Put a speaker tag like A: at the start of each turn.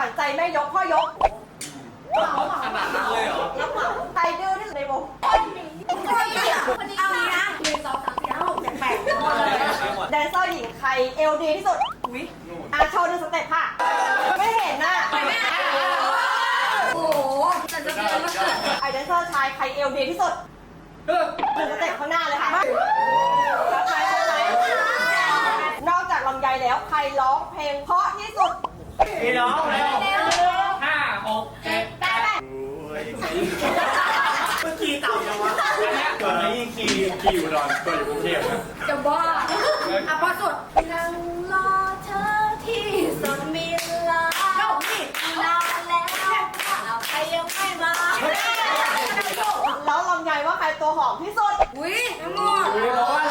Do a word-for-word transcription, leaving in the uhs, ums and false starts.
A: วัญใจแม่ยกพ่อยก
B: ขนาดนั้นเลยเหรอ
A: แล้วเหมาใครดื้อที่สุดในวง
C: คนนี้คนนี้คนนี้เอางี้นะหนึ่งสองสามสี่ห้าหกเจ็ดแปดหมดเลย
A: แดนเซอร์หญิงใครเอลดีที่สุด
C: อุ้ย
A: อาโชว์หนึ่งสเต็ปค่ะ ไม่เห็นน่ะ
C: ไปแม่โอ้โหจะจะเป็นมาเกิด
A: ไอแดนเซอร์ชายใครเอลดีที่สุดหนึ่งสเต็ปข้างหน้าเลยค่ะชัดไหมชัดไหมนอกจากลำไยแล้วใครร้องเพลงเพราะที่สุด
B: พี่น้องแล้วห้าหกเจ็ดแปดเมื่อกี้เต่ายังวะตอนนี้ยังขี่ขี่อยู่ดอนตัวอยู่กรุงเทพนะ
C: จะบ้าอ่ะพอสุดนั่งรอเธอที่สุดมีลาโยกนี่นานแล้วใครยังไม่มา
A: แล้วลำไยว่าใครตัวหอมที่สุด
C: อุ้ยน้ำมน
B: คุยเพราะว่า